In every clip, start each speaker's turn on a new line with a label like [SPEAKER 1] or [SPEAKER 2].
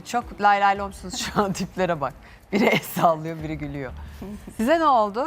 [SPEAKER 1] çok lay lay lomsunuz şu an tiplere bak. Biri el sallıyor, biri gülüyor. Size ne oldu?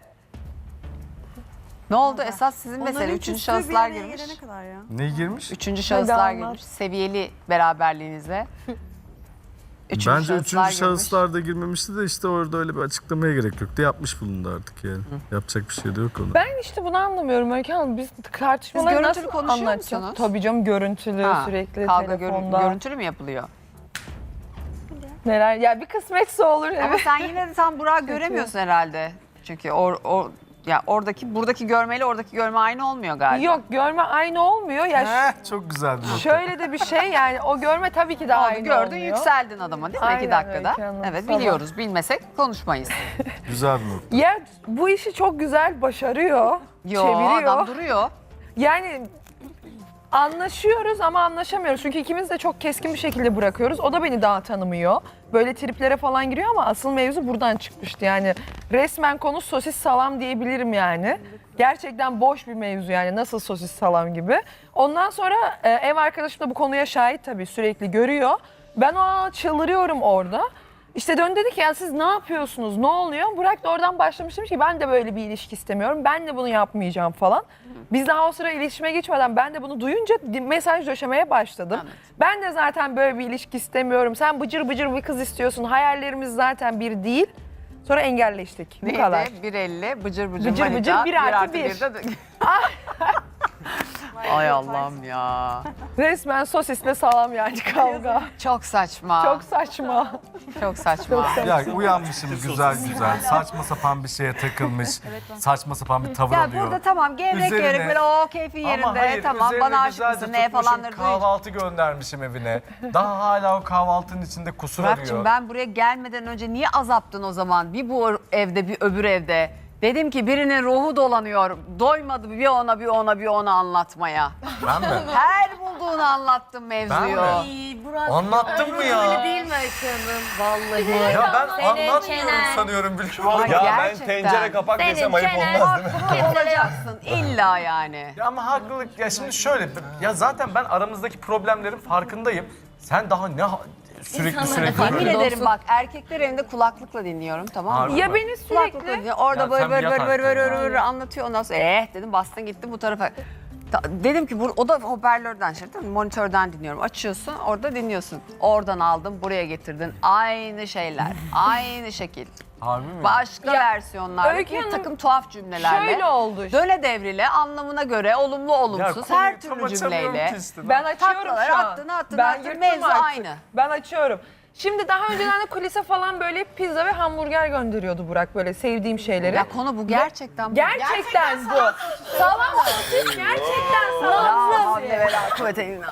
[SPEAKER 1] Ne oldu? Esas sizin mesele. Üçüncü şahıslar girmiş.
[SPEAKER 2] Ne girmiş?
[SPEAKER 1] Üçüncü şahıslar girmiş. Seviyeli beraberliğinize.
[SPEAKER 2] Bence üçüncü şahıslar da girmemişti de işte orada öyle bir açıklamaya gerek yoktu. Yapmış bulundu artık yani. Yapacak bir şey de yok ona.
[SPEAKER 3] Ben işte bunu anlamıyorum Öykü Hanım. Biz tartışmaları
[SPEAKER 1] Siz
[SPEAKER 3] nasıl
[SPEAKER 1] görüntülü konuşuyor
[SPEAKER 3] anlatacağız?
[SPEAKER 1] musunuz?
[SPEAKER 3] Tabii canım görüntülü sürekli
[SPEAKER 1] Kavga
[SPEAKER 3] telefonda.
[SPEAKER 1] görüntülü mü yapılıyor?
[SPEAKER 3] Neler? Ya bir kısmetse olur.
[SPEAKER 1] Ama
[SPEAKER 3] Evet.
[SPEAKER 1] sen yine de tam Burak'ı göremiyorsun herhalde. Çünkü ya buradaki görmeyle oradaki görme aynı olmuyor galiba.
[SPEAKER 3] Yok görme aynı olmuyor. Ya
[SPEAKER 2] Çok güzel bir nokta.
[SPEAKER 3] şöyle de bir şey yani o görme tabii ki de aynı
[SPEAKER 1] Gördün
[SPEAKER 3] olmuyor.
[SPEAKER 1] yükseldin adama değil mi?
[SPEAKER 3] Aynen
[SPEAKER 1] 2 dakikada.
[SPEAKER 3] Öykü Hanım,
[SPEAKER 1] Evet
[SPEAKER 3] tamam.
[SPEAKER 1] biliyoruz. Bilmesek konuşmayız.
[SPEAKER 2] Güzel bir nokta.
[SPEAKER 3] Ya bu işi çok güzel başarıyor.
[SPEAKER 1] Yo
[SPEAKER 3] çeviriyor.
[SPEAKER 1] adam duruyor.
[SPEAKER 3] Yani anlaşıyoruz ama anlaşamıyoruz. Çünkü ikimiz de çok keskin bir şekilde bırakıyoruz. O da beni daha tanımıyor. Böyle triplere falan giriyor ama asıl mevzu buradan çıkmıştı. Yani resmen konu sosis salam diyebilirim yani. Gerçekten boş bir mevzu yani nasıl sosis salam gibi. Ondan sonra ev arkadaşım da bu konuya şahit tabii sürekli görüyor. Ben o çıldırıyorum orada. İşte dön dedi ki ya siz ne yapıyorsunuz, ne oluyor? Burak da oradan başlamış demiş ki ben de böyle bir ilişki istemiyorum, ben de bunu yapmayacağım falan. Biz daha o sıra iletişime geçmeden ben de bunu duyunca mesaj döşemeye başladım.
[SPEAKER 1] Evet.
[SPEAKER 3] Ben de zaten böyle bir ilişki istemiyorum, sen bıcır bıcır bir kız istiyorsun, hayallerimiz zaten bir değil. Sonra engelleştik, bu
[SPEAKER 1] Neydi?
[SPEAKER 3] kadar.
[SPEAKER 1] 1.50 bıcır bıcır
[SPEAKER 3] Bıcır
[SPEAKER 1] manita,
[SPEAKER 3] bıcır, 1+1.
[SPEAKER 1] bir de... Ay Allah'ım ya.
[SPEAKER 3] Resmen sosisle salam yani kavga.
[SPEAKER 1] Çok saçma.
[SPEAKER 3] Çok saçma.
[SPEAKER 1] Çok saçma.
[SPEAKER 3] Çok saçma.
[SPEAKER 2] Ya uyanmışım güzel güzel. Saçma sapan bir şeye takılmış. Saçma sapan bir tavır
[SPEAKER 1] Ya
[SPEAKER 2] alıyor.
[SPEAKER 1] burada tamam gevrek
[SPEAKER 2] Üzerine-
[SPEAKER 1] gevrek böyle o keyfin yerinde.
[SPEAKER 2] Ama hayır,
[SPEAKER 1] Tamam
[SPEAKER 2] üzerine
[SPEAKER 1] bana aşık
[SPEAKER 2] güzelce
[SPEAKER 1] mısın ne
[SPEAKER 2] tutmuşum,
[SPEAKER 1] falanları duyunca.
[SPEAKER 2] kahvaltı göndermişim evine. Daha hala o kahvaltının içinde kusur
[SPEAKER 1] Burak'cığım
[SPEAKER 2] arıyor.
[SPEAKER 1] ben buraya gelmeden önce niye azaptın o zaman? Bir bu evde bir öbür evde. Dedim ki birinin ruhu dolanıyor. Doymadı bir ona bir ona bir ona anlatmaya.
[SPEAKER 2] Ben mi?
[SPEAKER 1] Her bulduğunu anlattım mevzuyu.
[SPEAKER 2] Ben mi? Anlattın mı ya?
[SPEAKER 4] Öyle değil mi Öykü Hanım? Vallahi.
[SPEAKER 2] Ya ben
[SPEAKER 4] Senin
[SPEAKER 2] anlatmıyorum
[SPEAKER 4] çenen.
[SPEAKER 2] sanıyorum biliyor
[SPEAKER 1] Ay,
[SPEAKER 2] musun?
[SPEAKER 5] Ya ben
[SPEAKER 1] gerçekten.
[SPEAKER 5] tencere kapak
[SPEAKER 4] Senin
[SPEAKER 5] desem ayıp
[SPEAKER 4] çenen.
[SPEAKER 5] olmaz değil mi?
[SPEAKER 1] Haklı olacaksın illa yani.
[SPEAKER 2] Ya ama haklılık ya şimdi şöyle ya zaten ben aramızdaki problemlerin farkındayım. Sen daha ne sürekli
[SPEAKER 1] Yemin ederim bak erkekler evinde kulaklıkla dinliyorum tamam mı?
[SPEAKER 2] Harbi.
[SPEAKER 3] Ya beni
[SPEAKER 1] Kulaklıkla
[SPEAKER 3] sürekli
[SPEAKER 1] dinliyorum. Orada
[SPEAKER 2] Ya
[SPEAKER 1] böyle
[SPEAKER 2] sen
[SPEAKER 1] böyle
[SPEAKER 2] yat
[SPEAKER 1] böyle böyle
[SPEAKER 2] artık
[SPEAKER 1] böyle anlatıyor ondan sonra dedim bastın gitti bu tarafa. Dedim ki o da hoparlörden şey değil mi? Monitörden dinliyorum. Açıyorsun orada dinliyorsun. Oradan aldım buraya getirdin. Aynı şeyler. Aynı şekil.
[SPEAKER 2] Harbi mi?
[SPEAKER 1] Başka
[SPEAKER 3] Ya,
[SPEAKER 1] versiyonlar.
[SPEAKER 3] Öykü
[SPEAKER 1] Bir
[SPEAKER 3] Hanım,
[SPEAKER 1] takım tuhaf cümlelerle.
[SPEAKER 3] şöyle oldu.
[SPEAKER 1] Döne devrile anlamına göre olumlu olumsuz
[SPEAKER 2] konuyu
[SPEAKER 1] her
[SPEAKER 2] tam
[SPEAKER 1] türlü
[SPEAKER 2] açamıyorum
[SPEAKER 1] cümleyle.
[SPEAKER 2] ki işte.
[SPEAKER 3] Ben açıyorum
[SPEAKER 1] Taklalar
[SPEAKER 3] şu an.
[SPEAKER 1] attın,
[SPEAKER 3] Ben
[SPEAKER 1] attın,
[SPEAKER 3] yırttım
[SPEAKER 1] mevzu
[SPEAKER 3] artık.
[SPEAKER 1] aynı.
[SPEAKER 3] Ben açıyorum. Şimdi daha önceden de kulise falan böyle pizza ve hamburger gönderiyordu Burak böyle sevdiğim şeyleri.
[SPEAKER 1] Ya konu bu gerçekten bu.
[SPEAKER 3] Gerçekten bu. Salam sosis gerçekten salam
[SPEAKER 1] Ya,
[SPEAKER 3] sosis.
[SPEAKER 1] ne bela kuvvete illa.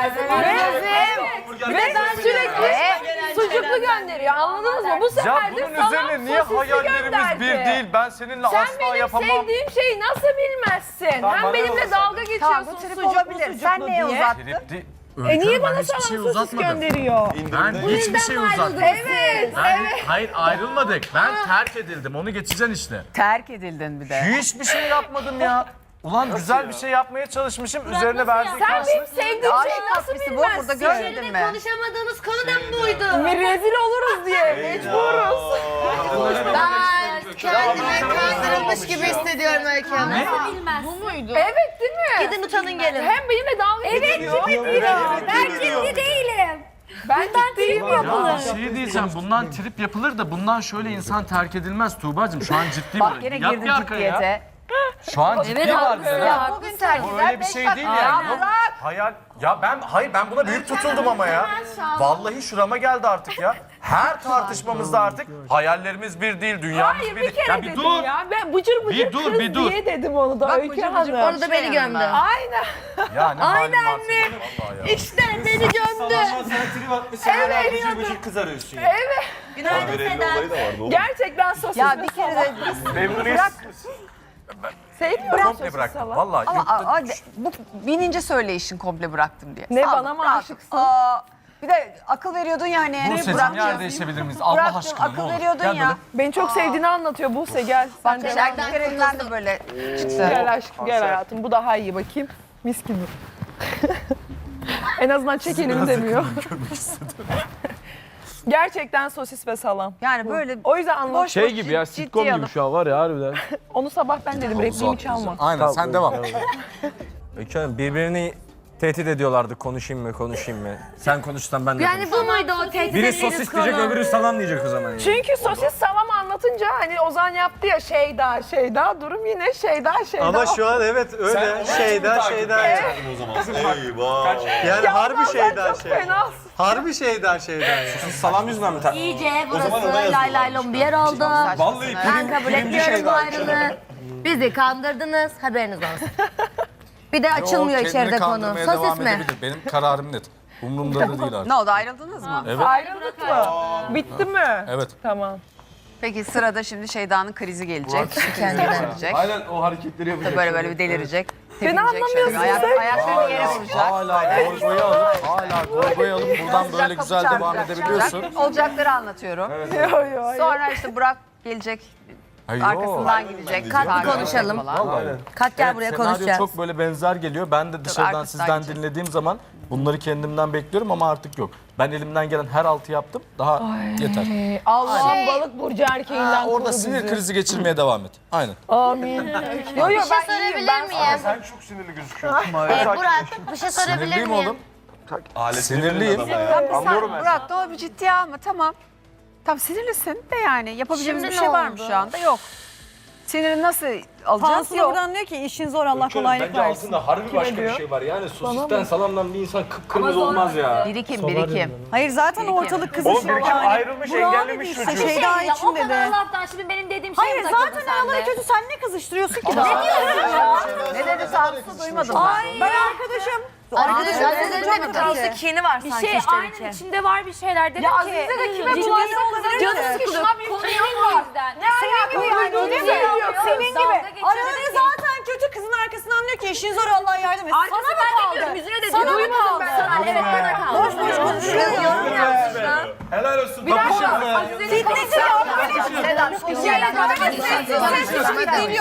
[SPEAKER 3] Ve ben sürekli sucuklu gönderiyor anladınız mı? Bu
[SPEAKER 2] Ya
[SPEAKER 3] sefer de
[SPEAKER 2] bunun
[SPEAKER 3] salam
[SPEAKER 2] üzerine niye
[SPEAKER 3] sosisli
[SPEAKER 2] hayallerimiz
[SPEAKER 3] gönderdi.
[SPEAKER 2] bir değil? Ben seninle
[SPEAKER 3] Sen
[SPEAKER 2] asla
[SPEAKER 3] benim
[SPEAKER 2] yapamam.
[SPEAKER 3] sevdiğim şeyi nasıl bilmezsin?
[SPEAKER 2] Tamam,
[SPEAKER 3] Hem
[SPEAKER 2] bana
[SPEAKER 3] benimle
[SPEAKER 2] olsun.
[SPEAKER 3] dalga geçiyorsun
[SPEAKER 1] Tamam bu trip
[SPEAKER 3] sucuklu
[SPEAKER 1] olabilir.
[SPEAKER 3] sucuklu
[SPEAKER 1] Sen neye
[SPEAKER 3] diye.
[SPEAKER 1] uzattın?
[SPEAKER 2] Trip değil.
[SPEAKER 3] Niye bana
[SPEAKER 2] Ben hiçbir şey
[SPEAKER 3] salam sosis
[SPEAKER 2] uzatmadım.
[SPEAKER 3] gönderiyor?
[SPEAKER 2] Ben hiçbir şey uzatmadım.
[SPEAKER 3] Evet.
[SPEAKER 2] Hayır ayrılmadık. Ben terk edildim. Onu geçeceksin işte.
[SPEAKER 1] Terk edildin bir de.
[SPEAKER 2] Hiçbir şey yapmadım ya. Ulan güzel bir şey yapmaya çalışmışım. Üzerine verdiğin
[SPEAKER 3] Sen
[SPEAKER 2] karşılık.
[SPEAKER 3] benim sevdiğim
[SPEAKER 1] Aşk
[SPEAKER 3] şeyi nasıl
[SPEAKER 1] tatlısı bu.
[SPEAKER 3] bilmezsin?
[SPEAKER 1] Burada görmedin mi?
[SPEAKER 4] Konuşamadığınız konudan buydu.
[SPEAKER 3] Rezil oluruz diye mecburuz.
[SPEAKER 4] Ben kendimi kandırılmış gibi hissediyorum Öykü Hanım. Nasıl bilmez? Bu muydu?
[SPEAKER 3] Evet değil mi?
[SPEAKER 4] Gidin utanın gelin.
[SPEAKER 3] Hem benimle dalga geçiyor.
[SPEAKER 4] Ben ciddi değilim.
[SPEAKER 3] Ben ciddiyim
[SPEAKER 2] Ya
[SPEAKER 3] yapılır.
[SPEAKER 2] bir şey diyeceğim. Bundan trip yapılır da bundan şöyle insan terk edilmez Tuğba'cığım. Şu an ciddi
[SPEAKER 1] Bak
[SPEAKER 2] böyle.
[SPEAKER 1] gene
[SPEAKER 2] Yat
[SPEAKER 1] girdin
[SPEAKER 2] bir arkaya ya.
[SPEAKER 1] ciddiyete.
[SPEAKER 2] Şu an ciddi var bize.
[SPEAKER 1] Ya bugün terk
[SPEAKER 2] Bu
[SPEAKER 1] eder.
[SPEAKER 2] öyle bir şey değil yani. Yok, hayal. Ya ben buna büyük tutuldum ama ya. Vallahi şurama geldi artık ya. Her tartışmamızda artık hayallerimiz bir değil, dünyamız
[SPEAKER 3] Hayır
[SPEAKER 2] bir
[SPEAKER 3] bir
[SPEAKER 2] değil.
[SPEAKER 3] kere
[SPEAKER 2] Ya bir
[SPEAKER 3] dedim
[SPEAKER 2] dur.
[SPEAKER 3] ya. Ben bıcır bıcır
[SPEAKER 2] Bir dur,
[SPEAKER 3] kız
[SPEAKER 2] bir dur.
[SPEAKER 3] diye dedim onu da
[SPEAKER 1] Bak
[SPEAKER 3] Öykü
[SPEAKER 1] bıcır bıcır
[SPEAKER 3] Hanım.
[SPEAKER 4] Onu da beni gömdü.
[SPEAKER 3] Aynen.
[SPEAKER 2] Ya ne halin varsa
[SPEAKER 4] Aynen
[SPEAKER 2] gör vallahi ya.
[SPEAKER 4] İşte beni gömdü.
[SPEAKER 5] Sen trip atmışsın hala bıcır bıcır kız arıyorsun ya.
[SPEAKER 3] Evet.
[SPEAKER 4] Günaydın Sedat.
[SPEAKER 3] Gerçekten sosis
[SPEAKER 1] Ya
[SPEAKER 3] ve
[SPEAKER 1] bir kere
[SPEAKER 3] salam.
[SPEAKER 1] de
[SPEAKER 2] Memnuniyet.
[SPEAKER 3] Sevmiyorum
[SPEAKER 2] komple
[SPEAKER 3] sosis
[SPEAKER 2] bıraktım.
[SPEAKER 3] salam.
[SPEAKER 2] Vallahi
[SPEAKER 1] ama bu binince söyleyişin komple bıraktım diye.
[SPEAKER 3] Ne,
[SPEAKER 1] Sağ ol,
[SPEAKER 3] bana mı
[SPEAKER 1] rahat.
[SPEAKER 3] aşıksın?
[SPEAKER 1] Bir de akıl veriyordun ya hani.
[SPEAKER 2] Buse'cim
[SPEAKER 1] Bırakacağım.
[SPEAKER 2] yer değişebilir miyiz? Allah
[SPEAKER 1] Bıraktım,
[SPEAKER 2] aşkına ne
[SPEAKER 1] akıl
[SPEAKER 2] olur.
[SPEAKER 1] veriyordun
[SPEAKER 2] Gel
[SPEAKER 1] ya.
[SPEAKER 2] böyle.
[SPEAKER 3] Beni çok sevdiğini anlatıyor Buse gel. Sen de
[SPEAKER 1] Erkekler evinden de böyle çıktı.
[SPEAKER 3] gel aşkım gel hayatım. Bu daha iyi bakayım. Mis gibi. En azından çekelim demiyor. Gerçekten sosis ve salam.
[SPEAKER 1] Yani böyle
[SPEAKER 3] O yüzden anladım.
[SPEAKER 1] boş
[SPEAKER 6] Şey
[SPEAKER 1] boş
[SPEAKER 6] gibi ya,
[SPEAKER 1] ciddi
[SPEAKER 6] sitcom gibi
[SPEAKER 1] alıp-
[SPEAKER 6] şu an var ya harbiden.
[SPEAKER 3] Onu sabah ben dedim. Repliğimi çalma.
[SPEAKER 2] Aynen sen devam.
[SPEAKER 7] Öykü Hanım birbirini tehdit ediyorlardı konuşayım mı? Sen konuşsan ben de
[SPEAKER 4] Yani bu muydu o tehdit
[SPEAKER 7] Biri
[SPEAKER 4] ettiğiniz
[SPEAKER 7] sosis
[SPEAKER 4] konu?
[SPEAKER 7] diyecek öbürü salam diyecek o zaman. Yani.
[SPEAKER 3] Çünkü sosis salam anlatınca hani Ozan yaptı ya Şeyda durum yine Şeyda.
[SPEAKER 5] Ama şu an evet öyle. Şeyda.
[SPEAKER 8] O zaman. Eyvah.
[SPEAKER 5] Yani harbi Şeyda.
[SPEAKER 3] Çok fenasın.
[SPEAKER 5] Harbi Şeyda yani.
[SPEAKER 7] Salam yüzünden mi?
[SPEAKER 4] İyice burası lay lay lom bir yer oldu.
[SPEAKER 7] Vallahi
[SPEAKER 4] Ben kabul etmiyorum bu ayrılığı. Bizi kandırdınız, haberiniz olsun. Bir de açılmıyor içeride konu. Sosis mi?
[SPEAKER 2] Benim kararım net. Umurumda da değil artık.
[SPEAKER 1] Ne oldu, ayrıldınız mı?
[SPEAKER 2] Evet.
[SPEAKER 3] Ayrıldık mı? Bitti mi?
[SPEAKER 2] Evet.
[SPEAKER 3] Tamam.
[SPEAKER 1] Peki sırada şimdi Şeyda'nın krizi gelecek.
[SPEAKER 4] Kendine.
[SPEAKER 1] Delirecek.
[SPEAKER 6] Aynen o hareketleri yapacak.
[SPEAKER 1] Böyle bir delirecek.
[SPEAKER 3] Beni
[SPEAKER 1] tepinecek
[SPEAKER 3] anlamıyorsun
[SPEAKER 1] şöyle.
[SPEAKER 3] sen.
[SPEAKER 1] Ayaklarını yere vuracak.
[SPEAKER 2] Hala golboyu alıp buradan böyle güzel devam edebiliyorsun.
[SPEAKER 1] Olacakları anlatıyorum.
[SPEAKER 3] Yo.
[SPEAKER 1] Sonra işte Burak gelecek.
[SPEAKER 2] Hayır,
[SPEAKER 1] Arkasından gidecek.
[SPEAKER 4] Kalk bir
[SPEAKER 1] takip
[SPEAKER 4] konuşalım.
[SPEAKER 1] falan.
[SPEAKER 4] Kalk gel buraya
[SPEAKER 2] senaryo
[SPEAKER 4] konuşacağız.
[SPEAKER 2] çok böyle benzer geliyor. Ben de dışarıdan
[SPEAKER 1] arkasından
[SPEAKER 2] sizden
[SPEAKER 1] gidecek.
[SPEAKER 2] dinlediğim zaman bunları kendimden bekliyorum ama artık yok. Ben elimden gelen her altı yaptım. Daha yeter.
[SPEAKER 3] Allah'ım balık burcu erkeğinden koru
[SPEAKER 2] Orada
[SPEAKER 3] bizi.
[SPEAKER 2] sinir krizi geçirmeye devam et. Aynen.
[SPEAKER 3] Amin. Yo
[SPEAKER 4] Bir şey
[SPEAKER 3] ben
[SPEAKER 4] sorabilir
[SPEAKER 3] iyiyim. Ben
[SPEAKER 4] miyim?
[SPEAKER 5] Sen çok sinirli gözüküyorsun.
[SPEAKER 4] Burak bir şey sorabilir
[SPEAKER 2] Sinirliyim
[SPEAKER 4] miyim?
[SPEAKER 2] oğlum.
[SPEAKER 8] Alet
[SPEAKER 2] Sinirliyim.
[SPEAKER 1] Anlıyorum ben. Burak da o bir ciddiye alma, tamam. Tam sinirlisin de yani yapabileceğimiz
[SPEAKER 4] Şimdi
[SPEAKER 1] bir şey
[SPEAKER 4] ne
[SPEAKER 1] var mı
[SPEAKER 4] oldu?
[SPEAKER 1] şu anda? Yok. Sinirini nasıl alacağız?
[SPEAKER 9] Tansu
[SPEAKER 1] Yok.
[SPEAKER 9] buradan diyor ki işin zor Allah kolaylık
[SPEAKER 7] Bence
[SPEAKER 9] versin.
[SPEAKER 7] altında harbi başka
[SPEAKER 3] diyor?
[SPEAKER 7] bir şey var. Yani sosisten salamdan bir insan kıpkırmızı olmaz ya.
[SPEAKER 1] Birikim.
[SPEAKER 9] Hayır zaten ortalık kızışıyor yani.
[SPEAKER 5] ayrılmış,
[SPEAKER 9] Burak'ı
[SPEAKER 5] engellemiş
[SPEAKER 9] dedi işte,
[SPEAKER 5] çocuğu.
[SPEAKER 9] Şeyda
[SPEAKER 4] Ya,
[SPEAKER 9] için
[SPEAKER 4] o kadar
[SPEAKER 9] dedi.
[SPEAKER 4] laftan şimdi benim dediğim şey
[SPEAKER 9] Hayır zaten araları kötü, sen ne kızıştırıyorsun ki daha?
[SPEAKER 1] Ne dedi Tansu duymadım ben.
[SPEAKER 9] Ben arkadaşım.
[SPEAKER 4] Arkadaşlarım bir tanesi
[SPEAKER 9] kini var
[SPEAKER 10] Bir şey aynen içinde var bir şeyler dedim
[SPEAKER 3] Ya
[SPEAKER 10] ki.
[SPEAKER 3] Azize de kime
[SPEAKER 9] ciddi
[SPEAKER 3] bulaşsa
[SPEAKER 9] olabilir
[SPEAKER 3] canı
[SPEAKER 9] ki.
[SPEAKER 3] sıkılır.
[SPEAKER 10] Konunun o yüzden.
[SPEAKER 9] Senin gibi yani öyle mi?
[SPEAKER 3] Yok,
[SPEAKER 9] Senin
[SPEAKER 10] dalga
[SPEAKER 9] gibi.
[SPEAKER 10] geçiyor
[SPEAKER 9] Araları
[SPEAKER 10] dedi ki-
[SPEAKER 9] zaten kötü, kızın arkasından diyor ki işin zor Allah yardım etsin.
[SPEAKER 10] Arkası
[SPEAKER 9] Sana
[SPEAKER 10] ben
[SPEAKER 9] mı
[SPEAKER 10] de diyorum,
[SPEAKER 9] kaldı?
[SPEAKER 10] yüzüne de
[SPEAKER 9] Sana mı
[SPEAKER 10] diyorum.
[SPEAKER 9] kaldı?
[SPEAKER 10] Evet bana kaldı.
[SPEAKER 9] Boş boş konuşuyor. Yorum yapmışlar.
[SPEAKER 5] Helal olsun. Kapışın mı?
[SPEAKER 9] Fitnesi yok.